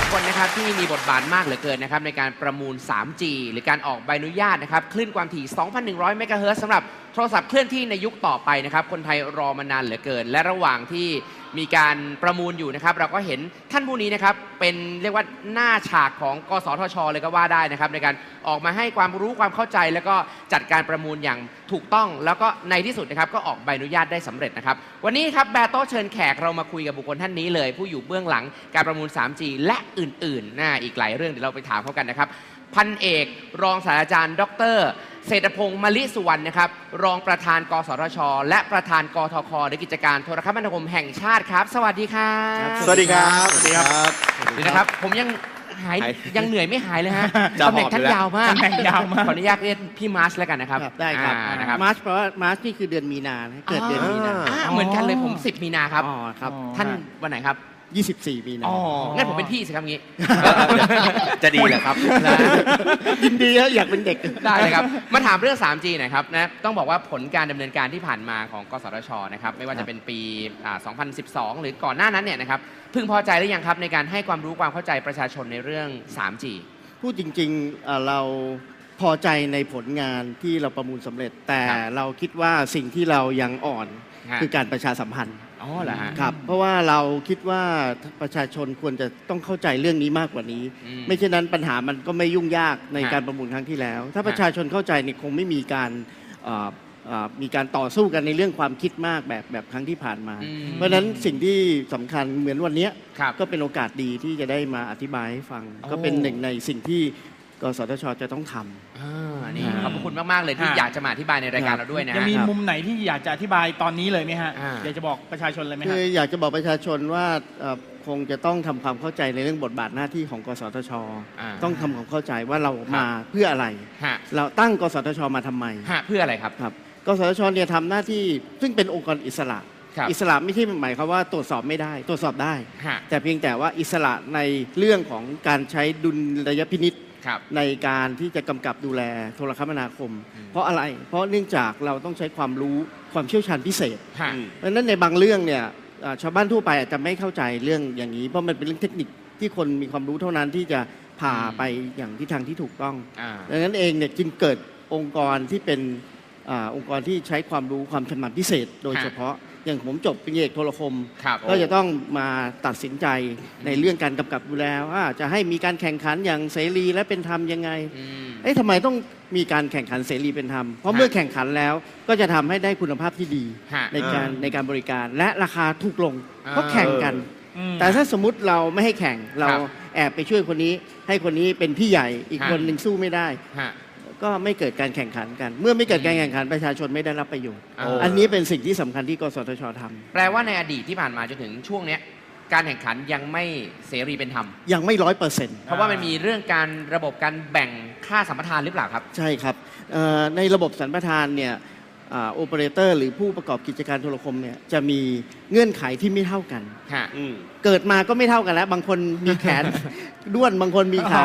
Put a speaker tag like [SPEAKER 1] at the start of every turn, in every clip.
[SPEAKER 1] คนนะครับที่มีบทบาทมากเหลือเกินนะครับในการประมูล 3G หรือการออกใบอนุญาตนะครับคลื่นความถี่ 2,100 เมกะเฮิรตซ์สำหรับโทรศัพท์เคลื่อนที่ในยุคต่อไปนะครับคนไทยรอมานานเหลือเกินและระหว่างที่มีการประมูลอยู่นะครับเราก็เห็นท่านผู้นี้นะครับเป็นเรียกว่าหน้าฉากของกสทช.เลยก็ว่าได้นะครับในการออกมาให้ความรู้ความเข้าใจแล้วก็จัดการประมูลอย่างถูกต้องแล้วก็ในที่สุดนะครับก็ออกใบอนุญาตได้สำเร็จนะครับวันนี้ครับแบร์โต้เชิญแขกเรามาคุยกับบุคคลท่านนี้เลยผู้อยู่เบื้องหลังการประมูล 3G และอื่นๆอีกหลายเรื่องเดี๋ยวเราไปถามเขากันนะครับพันเอกรองศาสตราจารย์ดร.เศรษฐพงศ์มลิสุวรรณนะครับรองประธานกสทช.และประธานกทค.หรือกิจการโทรคมนาคมแห่งชาติครับสวัสดีครับ
[SPEAKER 2] สวัสดีครับสวัสดีครับ
[SPEAKER 1] ดีนะครับผมยังเหนื่อยไม่หายเลยฮะตำแหน่งท่านยาวมากขออนุญาตเรียกพี่มาร์ชแล้วกันนะครับ
[SPEAKER 3] ได้ครับมาร์ชเพราะว่ามาร์ชนี่คือเดือนมีนาเกิดเดือนมีนา
[SPEAKER 1] เหมือนกันเลยผม10 มีนาครับ
[SPEAKER 3] อ๋อครับ
[SPEAKER 1] ท่านวันไหนครับ
[SPEAKER 3] 24 มีนา
[SPEAKER 1] งั้นผมเป็นพี่สิครับงี้
[SPEAKER 2] จะดีเหรอครับ
[SPEAKER 3] ยินดีอยากเป็นเด็ก
[SPEAKER 1] ได้เลยครับมาถามเรื่อง 3G หน่อยครับนะต้องบอกว่าผลการดำเนินการที่ผ่านมาของกสทช.นะครับไม่ว่าจะเป็นปี2012 หรือก่อนหน้านั้นเนี่ยนะครับพึงพอใจหรือยังครับในการให้ความรู้ความเข้าใจประชาชนในเรื่อง 3G
[SPEAKER 3] พูดจริงๆเราพอใจในผลงานที่เราประมูลสำเร็จแต่เราคิดว่าสิ่งที่เรายังอ่อนคือการประชาสัมพันธ์
[SPEAKER 1] อ๋อเหรอฮะ
[SPEAKER 3] ครับเพราะว่าเราคิดว่าประชาชนควรจะต้องเข้าใจเรื่องนี้มากกว่านี้ไม่เช่นนั้นปัญหามันก็ไม่ยุ่งยากในการประมูลครั้งที่แล้วถ้าประชาชนเข้าใจเนี่ยคงไม่มีการต่อสู้กันในเรื่องความคิดมากแบบครั้งที่ผ่านมาเพราะฉะนั้นสิ่งที่สำคัญเหมือนวันนี้ก็เป็นโอกาสดีที่จะได้มาอธิบายให้ฟังก็เป็นหนึ่งในสิ่งที่กสทช.จะต้องทำ
[SPEAKER 1] นี่ขอบคุณมากๆเลยที่อยากจะมาอธิบายในรายการเราด้วยนะ
[SPEAKER 4] จะมีมุมไหนที่อยากจะอธิบายตอนนี้เลยไหมฮะอยากจะบอกประชาชนเลยไหมฮะ
[SPEAKER 3] คืออยากจะบอกประชาชนว่าคงจะต้องทำความเข้าใจในเรื่องบทบาทหน้าที่ของกสทช.ต้องทำความเข้าใจว่าเรามาเพื่ออะไรเราตั้งกสทช.มาทำไม
[SPEAKER 1] เพื่ออะไรครับ
[SPEAKER 3] กสทช.เนี่ยทำหน้าที่ซึ่งเป็นองค์กรอิสระอิสระไม่ใช่หมายความว่าตรวจสอบไม่ได้ตรวจสอบได้แต่เพียงแต่ว่าอิสระในเรื่องของการใช้ดุลยพินิจในการที่จะกำกับดูแลโทรคมนาคมเพราะอะไรเพราะเนื่องจากเราต้องใช้ความรู้ความเชี่ยวชาญพิเศษเพราะฉะนั้นในบางเรื่องเนี่ยชาวบ้านทั่วไปอาจจะไม่เข้าใจเรื่องอย่างนี้เพราะมันเป็นเรื่องเทคนิคที่คนมีความรู้เท่านั้นที่จะพาไปอย่างทิศทางที่ถูกต้องดังนั้นเองเนี่ยจึงเกิดองค์กรที่เป็นองค์กรที่ใช้ความรู้ความชำนาญพิเศษโดยเฉพาะอย่างผมจบปริญญาเอกโทรคมก็จะต้องมาตัดสินใจในเรื่องการกำกับดูแลว่าจะให้มีการแข่งขันอย่างเสรีและเป็นธรรมยังไงทำไมต้องมีการแข่งขันเสรีเป็นธรรมเพราะเมื่อแข่งขันแล้วก็จะทำให้ได้คุณภาพที่ดีในการบริการและราคาถูกลงเพราะแข่งกันแต่ถ้าสมมุติเราไม่ให้แข่งเราแอบไปช่วยคนนี้ให้คนนี้เป็นพี่ใหญ่อีกคนหนึ่งสู้ไม่ได้ก็ไม่เกิดการแข่งขันกันเมื่อไม่เกิดการแข่งขันประชาชนไม่ได้รับประโยชน์อันนี้เป็นสิ่งที่สำคัญที่กสทช.ทำ
[SPEAKER 1] แปลว่าในอดีตที่ผ่านมาจนถึงช่วงนี้การแข่งขันยังไม่เสรีเป็นธรรม
[SPEAKER 3] ยังไม่100%
[SPEAKER 1] เพราะว่ามันมีเรื่องการระบบการแบ่งค่าสัมปทานหรือเปล่าครับ
[SPEAKER 3] ใช่ครับในระบบสัมปทานเนี่ยโอเปอเรเตอร์หรือผู้ประกอบกิจการโทรคมเนี่ยจะมีเงื่อนไขที่ไม่เท่ากันเกิดมาก็ไม่เท่ากันแล้วบางคนมีแขนด้วนบางคนมีขา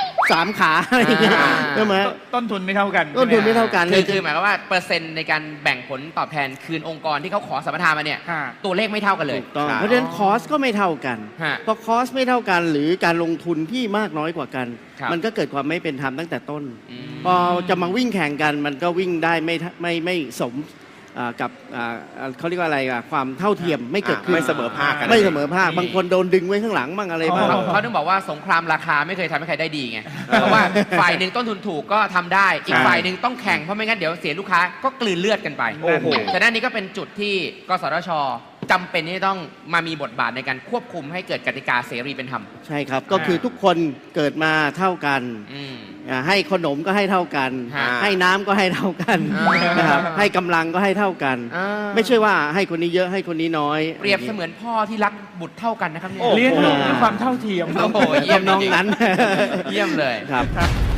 [SPEAKER 3] 3 ขาอะไรอย่างเงี้ยใช่ไหม
[SPEAKER 4] ต้นทุนไม่เท่ากัน
[SPEAKER 3] ต้นทุนไม่เท่ากัน
[SPEAKER 1] คือหมายความว่าเปอร์เซ็นต์ในการแบ่งผลตอบแทนคืนองค์กรที่เขาขอสัมปทานมาเนี่ยตัวเลขไม่เท่ากันเลย
[SPEAKER 3] เพราะฉะนั้นคอสก็ไม่เท่ากันพอคอสไม่เท่ากันหรือการลงทุนที่มากน้อยกว่ากันมันก็เกิดความไม่เป็นธรรมตั้งแต่ต้นพอจะมาวิ่งแข่งกันมันก็วิ่งได้ไม่สมกับเขาเรียกว่าอะไรความเท่าเทียมไม่เกิดขึ้น
[SPEAKER 2] ไม่เสมอภาคกัน
[SPEAKER 3] ไม่เสมอภาคบางคนโดนดึงไว้ข้างหลังบ้างอะไรบ้าง
[SPEAKER 1] เขาต้องบอกว่าสงครามราคาไม่เคยทำให้ใครได้ดีไงเพราะว่าฝ่ายหนึ่งต้นทุนถูกก็ทำได้อีกฝ่ายหนึ่งต้องแข่งเพราะไม่งั้นเดี๋ยวเสียลูกค้าก็กลืนเลือดกันไปฉะนั้นนี่ก็เป็นจุดที่กสทช.จำเป็นที่ต้องมามีบทบาทในการควบคุมให้เกิดกติกาเสรีเป็นธรรม
[SPEAKER 3] ใช่ครับก็คือทุกคนเกิดมาเท่ากันให้ขนมก็ให้เท่ากันให้น้ำก็ให้เท่ากันนะครับให้กำลังก็ให้เท่ากันไม่ใช่ว่าให้คนนี้เยอะให้คนนี้น้อย
[SPEAKER 1] เปรียบเสมือนพ่อที่รักบุตรเท่ากันนะครับ
[SPEAKER 4] เลี้ยงลูกด้วยความเท่าเทียม
[SPEAKER 1] โอ้โหเยี่ยม
[SPEAKER 3] น้องนั้น
[SPEAKER 1] เยี่ยมเลย
[SPEAKER 3] ครับ